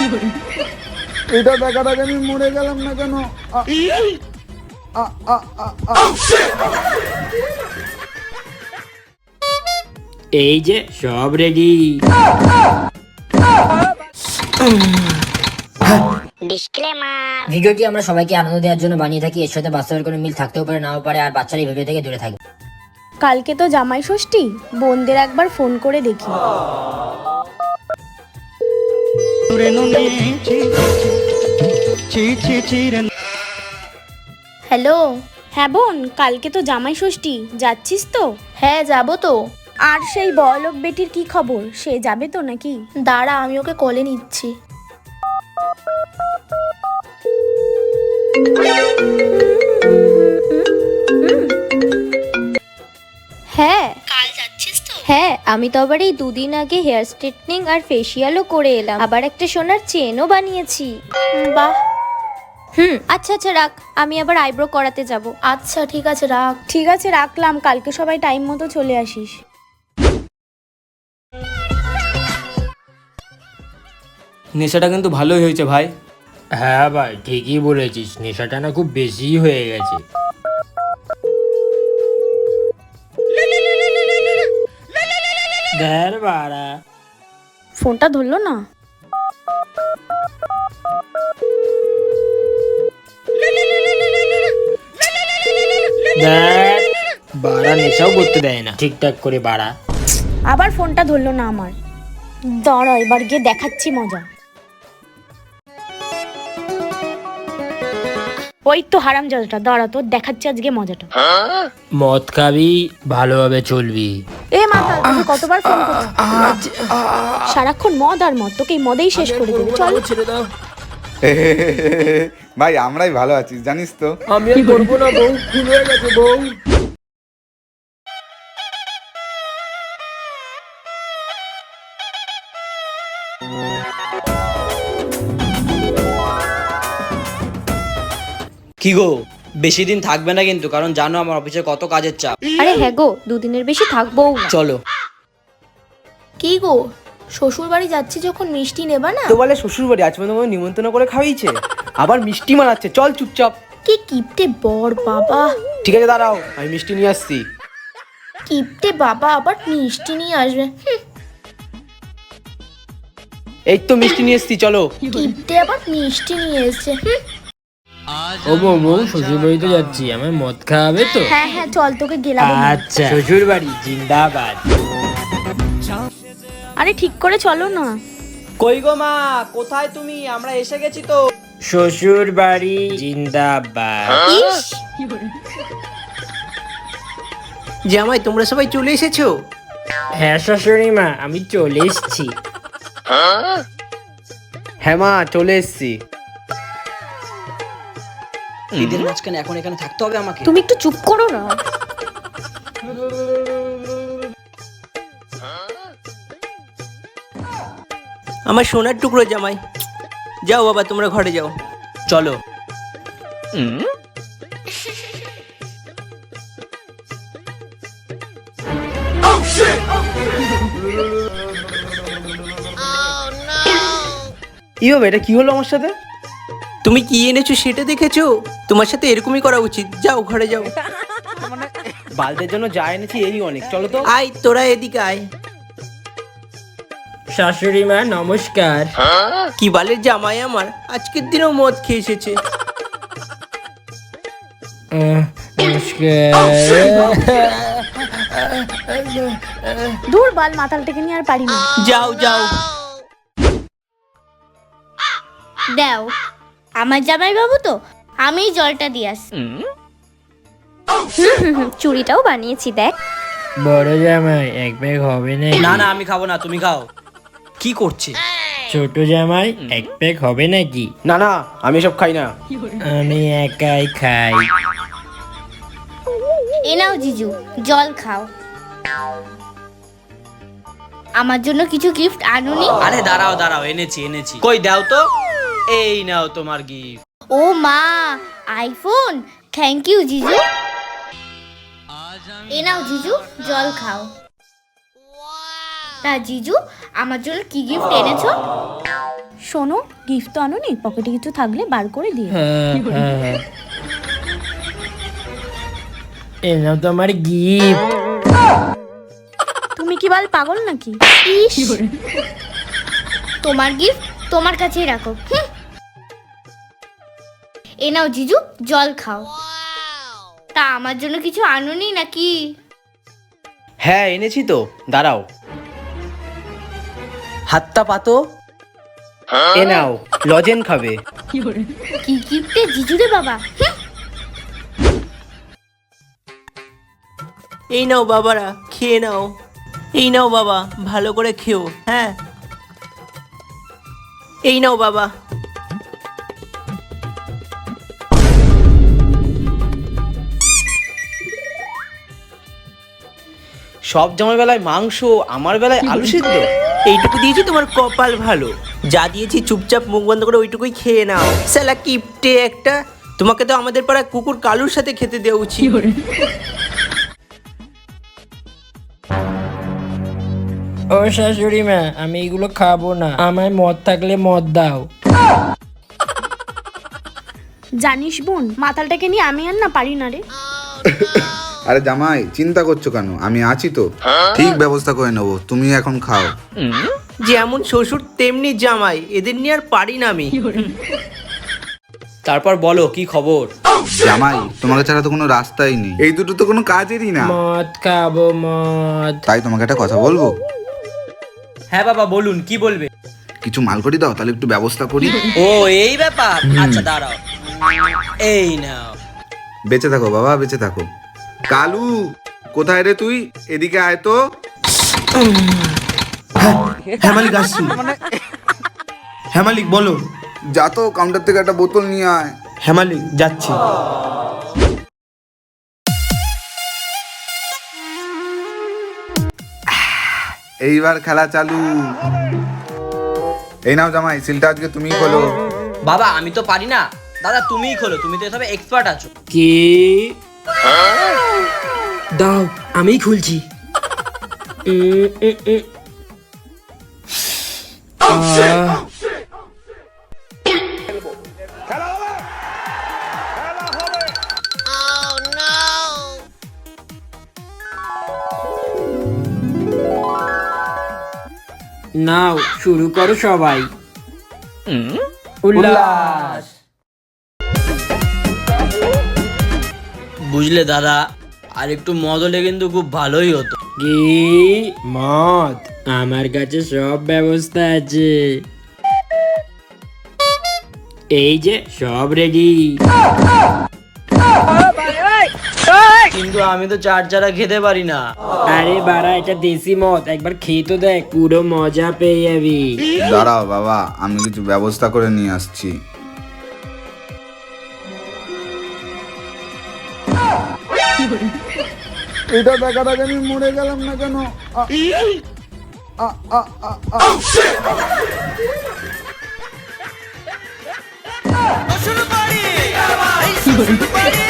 এটা দেখার আগে আমি মরে গেলাম না কেন? এই যে সব রেডি। ভিডিওটি আমরা সবাইকে আনন্দ দেওয়ার জন্য বানিয়ে থাকি। এর সাথে বাস্তবের কোনো মিল থাকতেও পারে, নাও পারে, আর বাচ্চারা এই ভিডিও থেকে দূরে থাকবে। কালকে তো জামাই ষষ্ঠী, বোনদের একবার ফোন করে দেখি। হ্যালো। হ্যাঁ বোন, কালকে তো জামাই ষষ্ঠী, যাচ্ছিস তো? হ্যাঁ যাবো তো। আর সেই বড়লোক বেটির কি খবর, সে যাবে তো নাকি? দাঁড়া, আমি ওকে কলে নিচ্ছি। হ্যাঁ। কাল যাচ্ছিস তো? হ্যাঁ, আমি তো আবার এই দুদিন আগে হেয়ার স্ট্রেটনিং আর ফেসিয়ালও করে এলাম, আবার একটা সোনার চেনও বানিয়েছি। বাহ। আচ্ছা আচ্ছা রাখ, আমি আবার আইব্রো করাতে যাব। আচ্ছা ঠিক আছে, রাখ। ঠিক আছে, রাখলাম। কালকে সবাই টাইম মতো চলে আসিস। নেশাটা কিন্তু ভালোই হয়েছে ভাই। হ্যাঁ ভাই, ঠিকই বলেছিস, নেশাটা না খুব বেশি হয়ে গেছে। ধ্যার বাড়া, ফোনটা ধরলো না। ধ্যার বাড়া, নেশাও করতে দেয় না ঠিকঠাক করে বাড়া। আবার ফোনটা ধরলো না আমার। দাঁড়া, এবার গিয়ে দেখাচ্ছি মজা। ওই তো হারামজাদাটা, দাঁড়া, তোর দেখাচ্ছি আজকে মজাটা। মদ খাবি, ভালোভাবে চলবি। এ মাথা, তোকে কতবার ফোন করছি, সারাক্ষণ মদ আর মদ, তোকে এই মদেই শেষ করে দেবে। চল। ছেড়ে দাও। ভাই আমরাই ভালো আছি জানিস তো। আমি আর করবো না বউ, ভুল হয়ে গেছে বউ। কি গো, বেশি দিন থাকবে না কিন্তু, কারণ জানো আমার অফিসে কত কাজের চাপ। আরে হ্যাঁ গো, দুদিনের বেশি থাকবোও না। চলো। কি গো, শ্বশুর বাড়ি যাচ্ছি যখন মিষ্টি নেবা না? তো বলে শ্বশুর বাড়ি আজ পর্যন্ত আমাকে নিমন্ত্রণ করে খাওয়াইছে, আবার মিষ্টি মানাচ্ছে। চল চুপচাপ। কি কিপটে বর বাবা। ঠিক আছে দাঁড়াও, আমি মিষ্টি নিয়ে আসছি। কিপটে বাবা আবার মিষ্টি নিয়ে আসবে। এই তো মিষ্টি নিয়ে এসছি, চলো। কিপটে আবার মিষ্টি নিয়ে এসছে। ও বউ, শ্বশুর বাড়িতে যাচ্ছি, আমার মদ খাওয়াবে তো? হ্যাঁ হ্যাঁ, চল, তোকে গেলাম। আচ্ছা, শ্বশুর বাড়ি জিন্দাবাদ। আরে ঠিক করে চলো না। কই গো মা, কোথায় তুমি? আমরা এসে গেছি তো। শ্বশুর বাড়ি জিন্দাবাদ। জামাই তোমরা সবাই চলে এসেছো? হ্যাঁ শাশুড়ি মা, আমি চলে এসেছি। হ্যাঁ মা, চলে এসছি। ঈদের মাঝখানে এখন এখানে থাকতে হবে আমাকে? তুমি একটু চুপ করো না। আমার সোনার টুকরো জামাই, যাও বাবা তোমরা ঘরে যাও। চলো। ই বাবা, এটা কি হলো আমার সাথে? তুমি কি এনেছো সেটা দেখেছো? তোমার সাথে এরকমই করা উচিত। যাও ঘরে যাও। বালদের জন্য যা এনেছি এই অনেক। চলো তো। আয় তোরা এদিকে আয়। শাশুড়ি মা নমস্কার। কি বালের জামাই আমার, আজকের দিনেও মদ খেয়ে এসেছে। নমস্কার। দূর বাল, মাতালটাকে নিয়ে আর পারি না। যাও যাও। দাও, আমার জামাই বাবু তো, আমি জলটা দিয়ে আসি। চুড়িটাও বানিয়েছি দেখ। বড় জামাই এক ব্যাগ হবে না? না না, আমি খাবো না, তুমি খাও। কি করছে? ছোট জামাই এক প্যাক হবে নাকি? না না, আমি সব খাই না। আমি একাই খাই। এ নাও জিজু, জল খাও। আমার জন্য কিছু গিফট আনুনি? আরে দাঁড়াও দাঁড়াও, এনেছি এনেছি। কই দাও তো। এই নাও তোমার গিফট। ও মা, আইফোন। থ্যাংক ইউ জিজু। এ নাও জিজু, জল খাও। তা জিজু, আমার জন্য কি গিফট এনেছো? শোনো, গিফট তো আনোনি, পকেটে কিছু থাকলে বার করে দিয়ে। হ্যাঁ হ্যাঁ, এ নাও তোমার গিফট। তুমি কি বাল পাগল নাকি? ইস, তোমার গিফট তোমার কাছেই রাখো। হুঁ। এ নাও জিজু, জল খাও। তা আমার জন্য কিছু আনোনি নাকি? হ্যাঁ এনেছি তো, দাঁড়াও। হাতটা পাতো। এ নাও, লজেন খাবে। কি গিফটে জিজু রে বাবা। হুঁ। এই নাও বাবারা, খেয়ে নাও। এই নাও বাবা, ভালো করে খেও। হ্যাঁ, এই নাও বাবা। সব জামার বেলায় মাংস, আমার বেলায় আলু সিদ্ধ। এইটুকু দিয়েছি তোমার কপাল ভালো, যা দিয়েছি চুপচাপ মুখ বন্ধ করে ওইটুকুই খেয়ে নাও। শালা কিপটে একটা, তোমাকে তো আমাদের পাড়ায় কুকুর কালুর সাথে খেতে দেওয়া উচিত। ও শাশুড়ি মা, আমি এগুলো খাবো না, আমায় মদ থাকলে মদ দাও। জানিস বোন, মাতালটাকে নিয়ে আমি আর না পারি না রে। আরে জামাই, চিন্তা করছো কেন? আমি আছি তো, ঠিক ব্যবস্থা করে নেবো, তুমি এখন খাও। যেমন শ্বশুর তেমনি জামাই, এদের নিয়ে আর পারি না আমি। তারপর বলো কি খবর? জামাই, তোমাকে ছাড়া তো কোনো রাস্তাই নেই, এই দুটো তো কোনো কাজেরই না। মদ খাবো, মদ। তাই তোমাকে একটা কথা বলবো। হ্যাঁ বাবা বলুন, কি বলবে? কিছু মাল করি দাও, তাহলে একটু ব্যবস্থা করি। ও এই ব্যাপার, আচ্ছা দাঁড়াও। এই নাও। বেঁচে থাকো বাবা, বেঁচে থাকো। কালু, কোথায় রে তুই? এদিকে আয় তো। হ্যাঁ মালিক, আসছি। হ্যাঁ মালিক বলো। যা তো, কাউন্টার থেকে একটা বোতল নিয়ে আয়। হ্যাঁ মালিক, যাচ্ছি। এইবার খেলা চালু। এই নাও জামাই, সিলটা আজকে তুমিই খোলো। বাবা আমি তো পারি না। দাদা তুমিই খোলো, তুমি তো এসবে এক্সপার্ট আছো। কি? দাও, আমি খুলছি। নাও, শুরু করো সবাই। উল্লাস। বুঝলে দাদা, আর একটু মদ হলে কিন্তু খুব ভালোই হতো। কি মদ? আমার কাছে সব ব্যবস্থা আছে, এই যে সব রেডি। কিন্তু আমি তো চার চারা খেতে পারি না। আরে বাড়া, এটা দেশি মদ, একবার খেয়ে তো দেখ, পুরো মজা পেয়ে যাবি। দাঁড়াও বাবা, আমি কিছু ব্যবস্থা করে নিয়ে আসছি। এটা দেখার আগে আমি মরে গেলাম না কেন? শুরু করি